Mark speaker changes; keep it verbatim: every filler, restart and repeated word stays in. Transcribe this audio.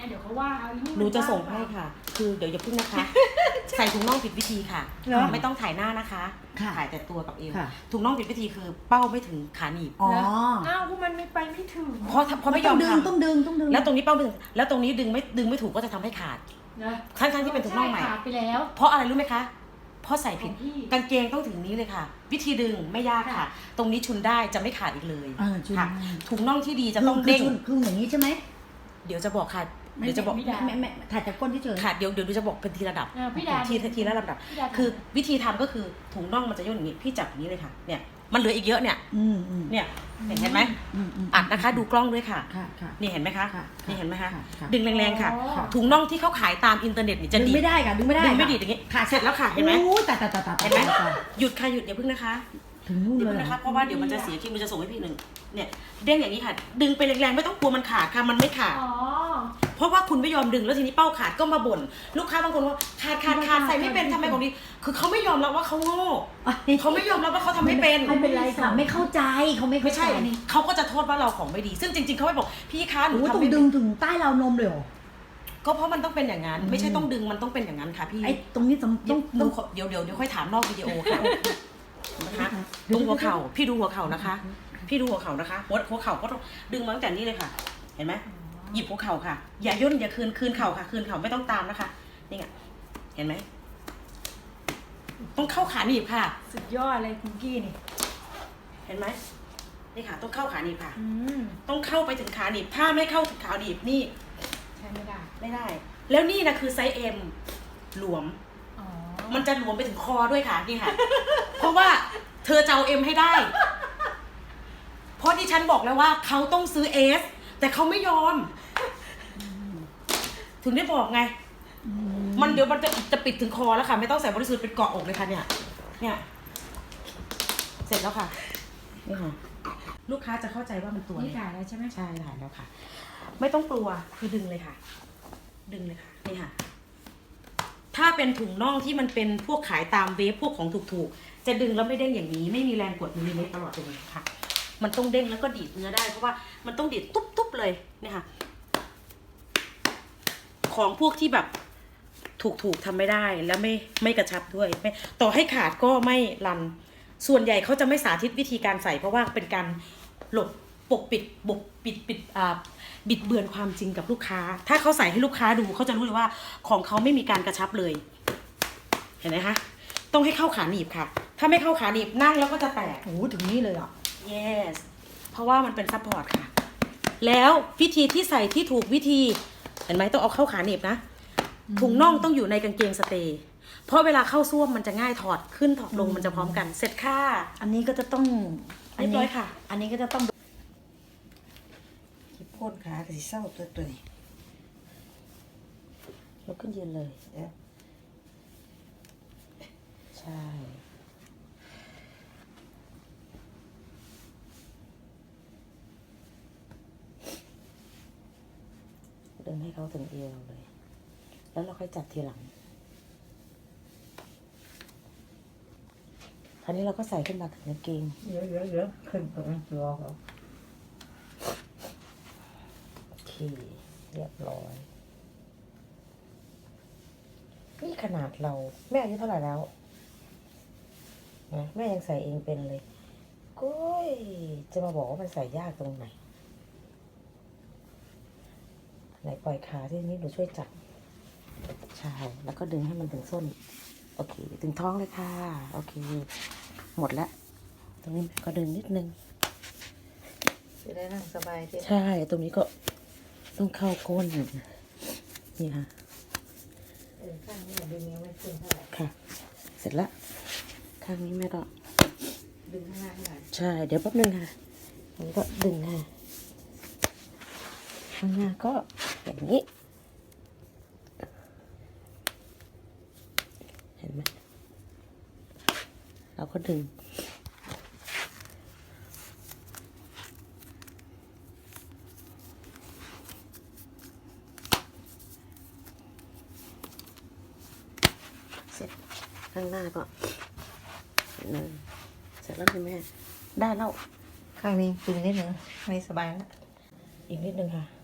Speaker 1: เดี๋ยวเขาว่าเอาอีนี่
Speaker 2: หนูจะส่งให้ค่ะ คือเดี๋ยวอย่าพึ่งนะคะ ใส่ถุงน่องผิดวิธีค่ะ ไม่ต้องถ่ายหน้านะคะถ่ายแต่ตัวกับเอวถุงน่องผิดวิธีคือเป้าไม่ถึงขาหนีบ
Speaker 3: อ๋อ
Speaker 1: อ้าวมันไม่ไปไม่ถึง
Speaker 2: เพราะเพราะไม่ยอม
Speaker 3: ดึง
Speaker 2: ทำ
Speaker 3: ต้องดึงต้องดึง
Speaker 2: แล้วตรงนี้เป้าไม่ถึงแล้วตรงนี้ดึงไม่ดึงไม่ถูกก็จะทำให้ขาด
Speaker 1: นะ
Speaker 2: ทั้งทั้งที่เป็นถุงน่องใหม่
Speaker 1: ขาดไปแล้ว
Speaker 2: เพราะอะไรรู้ไหมคะเพราะใส่ผิด
Speaker 1: ของพี่
Speaker 2: กางเกงต้องถึงนี้เลยค่ะ วิธีดึงไม่ยากค่ะ ตรงนี้ชุนได้จะไม่ขาดอีกเลย
Speaker 3: อ่าชุน
Speaker 2: ค่ะถุงน่องที่ดีจะ
Speaker 3: คือ
Speaker 2: ต้อง
Speaker 3: คือ
Speaker 2: เด้ง
Speaker 3: ชุนคืออย่างนี้ใช่ไหม
Speaker 2: เดี๋ยวจะบอกค่ะเดี๋ยวจะบอก
Speaker 3: ไม่ไม่ไม่ไม่ถ่ายจากก้นที่เฉย
Speaker 2: ค่ะเดี๋ยวเดี๋ยวดูจะบอกเป็นทีระดับ
Speaker 1: เออพี่ดา
Speaker 2: ทีทีละลำดับ
Speaker 1: พี่ดา
Speaker 2: คือวิธีทำก็คือถุงน่องมันจะย่นอย่างนี้พี่จับอย่างนี้เลยค่ะเนี่ยมันเหลืออีกเยอะเนี่ย
Speaker 3: อืมอืม
Speaker 2: เนี่ยเห็นเห็นไหม
Speaker 3: อืมอืม
Speaker 2: อัดนะคะดูกล้องด้วยค่ะ
Speaker 3: ค่ะค่ะ
Speaker 2: นี่เห็นไหมคะ
Speaker 3: ค่ะ
Speaker 2: นี่เห็นไหมคะ
Speaker 3: ค่ะค่ะ
Speaker 2: ดึงแรงๆค่ะ
Speaker 1: อ๋อ
Speaker 2: ถุงน่องที่เขาขายตามอินเทอร์เน็ตนี่จะ
Speaker 3: ดึง
Speaker 2: ดีด
Speaker 3: ไม่ได้ค่ะดึงไม่ได้
Speaker 2: ดึงไม่ดีดอย่างนี้ค่ะเสร็จแล้วค่ะเห็นไหม
Speaker 3: โอ้ยแต่แต่แต่แต่
Speaker 2: เห็นไหมหยุดค่ะหยุดอย่าพึ่งนะคะ
Speaker 3: ถึงนู่น
Speaker 2: อย่า
Speaker 3: เลย
Speaker 2: พึ่ง
Speaker 3: เหร
Speaker 2: นะ
Speaker 3: อ
Speaker 2: คะเพราะว่าเดี๋ยวมันจะเสียคิวมันจะส่งให้พี่หนึ่งเนี่ยเด้งอย่างนี้ค่ะ ดึงไปแรงๆไม่ต้องกลัวมันขาดค่ะมันไม่ขาด
Speaker 1: อ๋อ
Speaker 2: เพราะว่าคุณไม่ยอมดึงแล้วทีนี้เป้าขาดก็มาบ่นลูกค้าบางคนว่าขาดขาดขาดใส่ไม่เป็นทำไมของดีคือเขาไม่ยอมรับว่าเขาโง่เขาไม่ยอมรับว่าเขาทำไม่เป็น
Speaker 3: ไม่เป็นไรค่ะไม่เข้าใจเขาไม่เข้า
Speaker 2: ไม่ใช่
Speaker 3: ใจ
Speaker 2: เขาก็จะโทษว่าเราของไม่ดี ซึ่งจริงๆเขาไม่บอกพี่คะหนู
Speaker 3: โอ้ย
Speaker 2: ทำ
Speaker 3: ต้อง
Speaker 2: ไม่
Speaker 3: ดึ
Speaker 2: เป็น
Speaker 3: งถึงใต้ราวนมเลยเหรอ
Speaker 2: ก็เพราะมันต้องเป็นอย่างนั้น ไม่ใช่ต้องดึงมันต้องเป็นอย่างนั้นค่ะพี่
Speaker 3: ไอ้ตรงนี้ต้อง
Speaker 2: ต้
Speaker 3: ต้
Speaker 2: อ
Speaker 3: อง ง
Speaker 2: ดู
Speaker 3: ต้อง
Speaker 2: ขอเดี๋ยวเดี๋ยวเดี๋ยวค่อยถามนอกวิดีโอค่ะนะคะดูหัวเข่าพี่ดูหัวเข่านะคะ พี่ดูหัวเข่านะคะหัวหัวเข่าก็ต้องดึงมาตั้งแต่นี้เลยค่ะ เห็นไหมหยิบหัวเข่าค่ะ อย่าย่นอย่าคืนคืนเข่าค่ะ คืนเข่าไม่ต้องตามนะคะนี่ไงเห็นไหมต้องเข้าขาหนีบค่ะ
Speaker 1: สุดยอดเลยคุณกี้นี่
Speaker 2: เห็นไหมนี่ค่ะ ต้องเข้าขาหนีบค่ะ
Speaker 1: อืม
Speaker 2: ต้องเข้าไปถึงขาหนีบถ้าไม่เข้าถึงขาหนีบนี่
Speaker 1: ใช่ไม่ได้
Speaker 2: ไม่ได้ แล้วนี่นะคือไซส์เอ็มหลวม
Speaker 1: อ๋อ
Speaker 2: มันจะหลวมไปถึงคอด้วยค่ะนี่ค่ะ เพราะว่าเธอจะเอาเอ็มให้ได้ เพราะที่ฉันบอกแล้วว่าเขาต้องซื้อเอสแต่เขาไม่ยอม ถึงได้บอกไง มันเดี๋ยวมันจะจะปิดถึงคอแล้วค่ะ ไม่ต้องใส่บริสุทธิ์เป็นเกาะอกเลยค่ะเนี่ย เนี่ย เสร็จแล้วค่ะนี่ค่ะ ลูกค้าจะเข้าใจว่ามันตัว
Speaker 1: นี่
Speaker 2: เล็ก
Speaker 1: ถ่ายแล้วใช่ไหม
Speaker 2: ใช่ถ่ายแล้วค่ะ ไม่ต้องกลัวคือดึงเลยค่ะ ดึงเลยค่ะนี่ค่ะ ถ้าเป็นถุงน่องที่มันเป็นพวกขายตามเวฟพวกของถูกๆจะดึงแล้วไม่เด้งอย่างนี้ ไม่มีแรงกดมิลลิเมตรตลอดเลยค่ะ มันต้องเด้งแล้วก็ดีดเนื้อได้เพราะว่ามันต้องดีดตุ๊บๆเลยเนี่ยค่ะ ของพวกที่แบบถูกๆทำไม่ได้แล้วไม่ไม่กระชับด้วยไม่ต่อให้ขาดก็ไม่รัน ส่วนใหญ่เขาจะไม่สาธิตวิธีการใส่เพราะว่าเป็นการหลบปกปิดบกปิดปิดอ่าบิดเบือนความจริงกับลูกค้า ถ้าเขาใส่ให้ลูกค้าดูเขาจะรู้เลยว่าของเขาไม่มีการกระชับเลย เห็นไหมคะต้องให้เข้าขาหนีบค่ะ ถ้าไม่เข้าขาหนีบนั่งแล้วก็จะแตก
Speaker 3: โอ้โหถึงนี่เลยอ่ะ
Speaker 2: yes เพราะว่ามันเป็นซัพพอร์ตค่ะ แล้ววิธีที่ใส่ที่ถูกวิธีเห็นไหมต้องเอาเข้าขาหนีบนะถุงน่องต้องอยู่ในกางเกงสเตย์เพราะเวลาเข้าซ่วมมันจะง่ายถอดขึ้นถอดลงมันจะพร้อมกันเสร็จค่ะ
Speaker 3: อันนี้ก็จะต้อง
Speaker 2: เรียบร้อยค่ะ
Speaker 3: อันนี้ก็จะต้อง
Speaker 4: ที่พ่นขาแต่สิเศร้าตัวตัวนี้
Speaker 2: ยกขึ้นยืนเลย
Speaker 4: เดี๋ยว
Speaker 2: ใช่ดึงให้เขาถึงเอวเลย แล้วเราค่อยจัดทีหลังคราวนี้เราก็ใส่ขึ้นมาถึงกางเกง
Speaker 4: เดี๋ยวเดี๋ยวเดี๋ยวขึ้นตรงตัวเขา
Speaker 2: โอเคเรียบร้อยนี่ขนาดเราแม่อายุเท่าไหร่แล้วนะแม่ยังใส่เองเป็นเลยก้ยจะมาบอกว่ามันใส่ยากตรงไหนไหนปล่อยขาที่นี้หนูช่วยจับใช่แล้วก็ดึงให้มันถึงส้นโอเคถึงท้องเลยค่ะโอเคหมดแล้วตรงนี้ก็ดึงนิดนึง
Speaker 4: จะได้นั่งสบายที่
Speaker 2: ใช่ตรงนี้ก็ต้องเข้าก้นนี่ค่ะ
Speaker 4: เออข้างนี้ดึงยังไม่ขึ้นเท่าไหร่
Speaker 2: ค่ะ เสร็จแล้วข้างนี้แม่ก็
Speaker 4: ดึงข้างหน้าให้หน่อย
Speaker 2: ใช่เดี๋ยวแป๊บนึงค่ะอันนี้ก็ดึงค่ะข้างหน้าก็อย่างนี้เห็นไหมเราก็ดึงเสร็จข้างหน้าก็หนึ่งเสร็จแล้วคุณแม่ได้แล้ว
Speaker 4: ข้างนี้ดึงนิดนึงไม่สบายแล้ว
Speaker 2: อีกนิดนึงค่ะ